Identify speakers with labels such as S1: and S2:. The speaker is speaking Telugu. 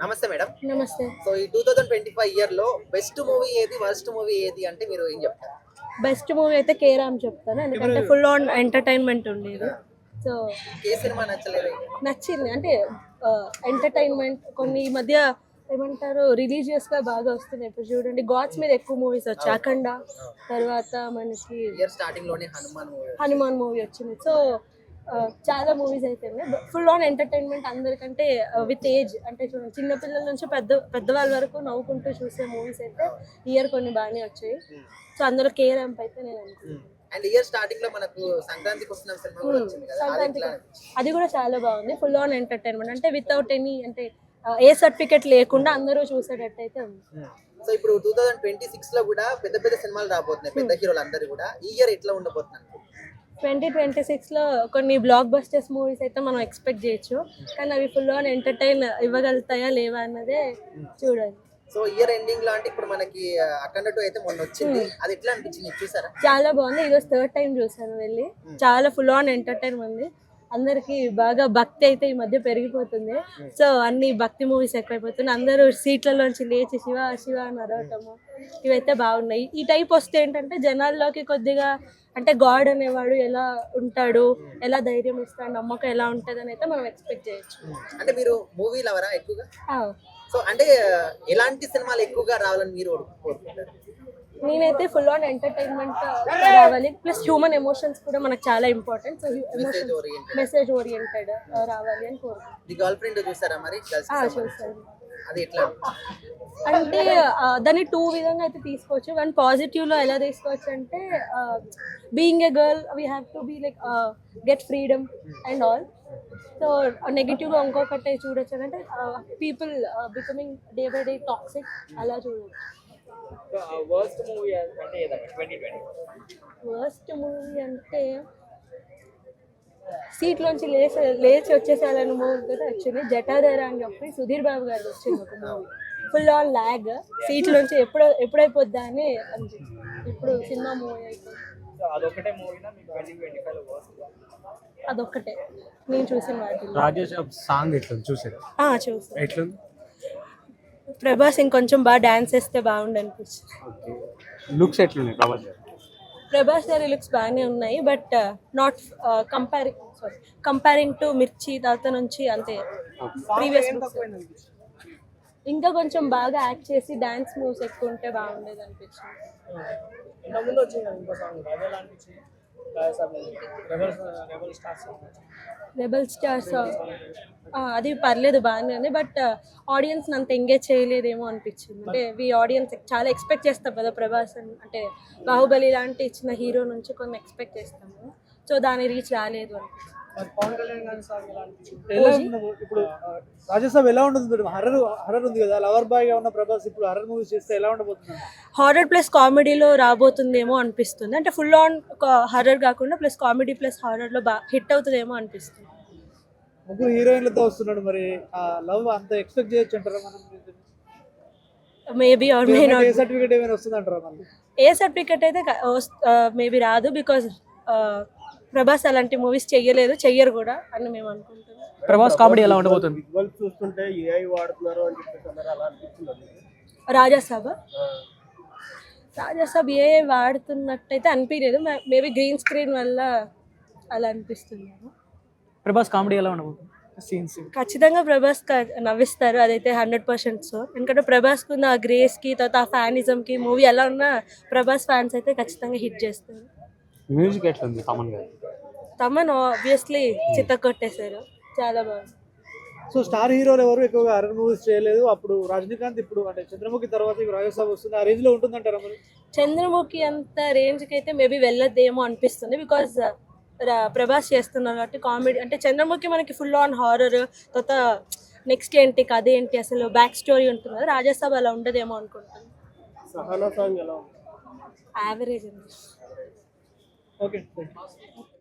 S1: నమస్తే మేడం.
S2: నమస్తే.
S1: సో ఈ 2025 ఇయర్‌లో బెస్ట్ మూవీ ఏది? వర్స్ట్ మూవీ ఏది అంటే మీరు ఏం చెప్తారు?
S2: బెస్ట్ మూవీ అయితే 'కేరామ్' చెప్తాను. ఎందుకంటే ఫుల్ ఆన్ ఎంటర్‌టైన్‌మెంట్ ఉండేది. సో
S1: ఏ సినిమా నచ్చలేదు?
S2: నచ్చింది. అంటే ఎంటర్‌టైన్‌మెంట్ కొన్ని ఈ మధ్య ఏమంటారు రిలీజియస్‌గా బాగా వస్తున్నాయి. ఇప్పుడు చూడండి గాడ్స్ మీద ఎక్కువ మూవీస్ వచ్చాయి. 'అఖండ' తర్వాత మనకి
S1: ఇయర్ స్టార్టింగ్ లోనే
S2: హనుమాన్ మూవీ వచ్చింది. సో చాలా మూవీస్ అయితే ఫుల్ ఆన్ ఎంటర్టైన్మెంట్ అందరికంటే విత్ ఏజ్ అంటే చూడండి చిన్నపిల్లల నుంచి పెద్దవాళ్ళ వరకు నవ్వుకుంటూ చూసే మూవీస్ అయితే ఇయర్ కొన్ని బాగానే వచ్చాయి. సో అందులో కేరాంప్ అయితే నేను అనుకుంటున్నాను.
S1: అండ్ ఇయర్ స్టార్టింగ్ లో మనకు సంక్రాంతికి వస్తున్న సినిమా కూడా వచ్చింది కదా,
S2: అది కూడా చాలా బాగుంది. ఫుల్ ఆన్ ఎంటర్టైన్మెంట్ అంటే వితౌట్ ఎనీ అంటే ఏ సర్టిఫికెట్ లేకుండా అందరూ చూసేటట్టు అయితే ఉంది.
S1: సో ఇప్పుడు 2026 లో కూడా పెద్ద పెద్ద సినిమాలు రాబోతున్నాయి, పెద్ద హీరోలు అందరూ కూడా. ఈ ఇయర్ ఎట్లా ఉండబోతున్నారు?
S2: 2026లో కొన్ని బ్లాక్ బస్టర్స్ మూవీస్ అయితే మనం ఎక్స్పెక్ట్ చేయొచ్చు. కానీ అవి ఫుల్ ఆన్ ఎంటర్టైన్ ఇవ్వగలుగుతాయా లేవా అన్నదే చూడాలి.
S1: సో ఇయర్ ఎండింగ్ లో అంటే ఇప్పుడు మనకి అఖండ 2 అయితే మొన్న వచ్చింది, అది ఎట్లా అనిపించింది చూసారా?
S2: చాలా బాగుంది. ఈరోజు థర్డ్ టైం చూసాను వెళ్ళి. చాలా ఫుల్ ఆన్ ఎంటర్టైన్ ఉంది. అందరికి బాగా భక్తి అయితే ఈ మధ్య పెరిగిపోతుంది. సో అన్ని భక్తి మూవీస్ ఎక్కువైపోతున్నాయి. అందరూ సీట్లలోంచి లేచి శివ శివ అని అరవటము ఇవైతే బాగున్నాయి. ఈ టైప్ వస్తే ఏంటంటే జనాల్లోకి కొద్దిగా అంటే గాడ్ అనేవాడు ఎలా ఉంటాడు, ఎలా ధైర్యం ఇస్తాడు, నమ్మకం ఎలా ఉంటుంది అని అయితే మనం ఎక్స్పెక్ట్ చేయొచ్చు.
S1: అంటే మీరు మూవీ లవరా ఎక్కువగా? సో అంటే ఎలాంటి సినిమాలు ఎక్కువగా రావాలని మీరు కోరుకుంటారు?
S2: నేనైతే ఫుల్ ఆన్ ఎంటర్టైన్మెంట్ రావాలి, ప్లస్ హ్యూమన్ ఎమోషన్స్ కూడా మనకు చాలా ఇంపార్టెంట్. సో మెసేజ్ ఓరియంటెడ్ రావాలి అని కోరుకుంటున్నాను.
S1: గర్ల్ ఫ్రెండ్ చూసారా మరి?
S2: చూసాను.
S1: అది ఎట్లా
S2: అంటే దాన్ని టూ విధంగా అయితే తీసుకోవచ్చు. వన్ పాజిటివ్లో ఎలా తీసుకోవచ్చు అంటే being a girl we have to be like get freedom and all. So నెగిటివ్గా ఇంకొకటి చూడొచ్చు అంటే people becoming day by day toxic అలా చూడొచ్చు.
S1: వర్స్ట్ మూవీ అంటే ఏదైనా 2020
S2: వర్స్ట్ మూవీ అంటే సీట్లోంచి లేచి వచ్చేసాలని మూవీ కూడా వచ్చింది. జటాధార అని చెప్పి సుధీర్ బాబు గారు వచ్చింది ఒక మూవీ. ఫుల్ ఆన్ ల్యాగ్, సీట్లోంచి ఎప్పుడైపోద్దా అని అనిపించింది. ఇప్పుడు సినిమా మూవీ అయిపోయింది. అదొక్కటే నేను చూసిన వాటి.
S3: రాజేష్ సాంగ్ ఎట్లా చూసారు?
S2: చూసాను.
S3: ఎట్లుంది?
S2: ప్రభాస్ ఇంకొంచెం బాగా డాన్స్ వేస్తే బాగుండు అనిపించింది.
S3: లుక్స్ ఎట్లున్నాయి
S2: ప్రభాస్ గారి లుక్స్ బాగానే ఉన్నాయి, బట్ నాట్ కంపేరింగ్ టు మిర్చి తర్వాత నుంచి అంతే. ప్రీవియస్ ఇంకా కొంచెం బాగా యాక్ట్ చేసి డాన్స్ మూవ్స్ ఎక్కువ ఉంటే బాగుండేది అనిపించింది. రెబల్ స్టార్స్ అది పర్లేదు బాగానే ఉంది, బట్ ఆడియన్స్ అంత ఎంగేజ్ చేయలేదేమో అనిపించింది. అంటే ఆడియన్స్ చాలా ఎక్స్పెక్ట్ చేస్తాం కదా ప్రభాస్ అంటే బాహుబలి లాంటి ఇచ్చిన హీరో నుంచి కొన్ని ఎక్స్పెక్ట్ చేస్తాము. సో దాని రీచ్ రాలేదు అనిపించింది.
S4: ఇప్పుడు రాజసాబ్ ఎలా ఉంటుంది? హర్రర్ ఉంది కదా, లవర్ బాయ్ గా ఉన్న ప్రభాస్ ఇప్పుడు హర్రర్ మూవీస్ చేస్తే ఎలా ఉండబోతుంది?
S2: హారర్ ప్లస్ కామెడీలో రాబోతుందేమో అనిపిస్తుంది. అంటే ఫుల్ ఆన్ హర్రర్ కాకుండా ప్లస్ కామెడీ ప్లస్ హారర్లో హిట్ అవుతుందేమో అనిపిస్తుంది.
S4: ముగ్గురు హీరోయిన్లతో వస్తున్నాడు, మరి లవ్ అంత ఎక్స్పెక్ట్ చేయొచ్చు అంటారా మనం?
S2: Maybe or may not.
S4: A certificate ఏమైనా వస్తుంది అంటారా మళ్ళీ?
S2: ఏ సర్టిఫికేట్ అయితే మేబీ రాదు, బికాజ్ ప్రభాస్ అలాంటి మూవీస్ చెయ్యరు కూడా అని మేము అనుకుంటున్నాం.
S3: ప్రభాస్ కామెడీ ఎలా ఉండబోతుంది?
S4: చూస్తుంటే ఏఐ వాడుతున్నారు అని చెప్పేసి అలా అనిపిస్తుంది.
S2: రాజాసాబ్ ఏఐ వాడుతున్నట్టయితే అనిపించలేదు. మేబీ గ్రీన్ స్క్రీన్ వల్ల అలా అనిపిస్తుంది.
S3: ప్రభాస్ కామెడీ ఎలా ఉండబోతుంది? సీన్స్
S2: ఖచ్చితంగా ప్రభాస్ నవ్విస్తారు, అదైతే 100%. సో ఎందుకంటే ప్రభాస్కి ఉన్న ఆ గ్రేస్కి తర్వాత ఆ ఫ్యానిజంకి మూవీ ఎలా ఉన్నా ప్రభాస్ ఫ్యాన్స్ అయితే ఖచ్చితంగా హిట్ చేస్తారు.
S3: మ్యూజిక్ ఎట్లా ఉంది?
S2: తమన్ ఆబ్వియస్లీ చిత్తకొట్టేశారు, చాలా బాగుంది.
S4: సో స్టార్ హీరోలు ఎవరు ఎక్కువగా హర్రర్ మూవీస్ చేయలేదు. అప్పుడు రజనీకాంత్, ఇప్పుడు అంటే చంద్రముఖి తర్వాత ఇప్పుడు రాజసాబ్ వస్తుంది. ఆ రేంజ్ లో ఉంటుందంటారా మరి?
S2: చంద్రముఖి అంత రేంజ్కి అయితే మేబీ వెళ్ళొద్దేమో అనిపిస్తుంది, బికాజ్ ప్రభాస్ చేస్తున్నారు కాబట్టి. కామెడీ అంటే చంద్రముఖి మనకి ఫుల్ ఆన్ హారర్, తర్వాత నెక్స్ట్ ఏంటి కథ ఏంటి అసలు బ్యాక్ స్టోరీ ఉంటుంది కదా. రాజసాబ్ అలా ఉండదేమో అనుకుంటాను.
S4: సహానా సాంగ్ ఎలా ఉంది?
S2: యావరేజ్ అండి.
S4: ఓకే.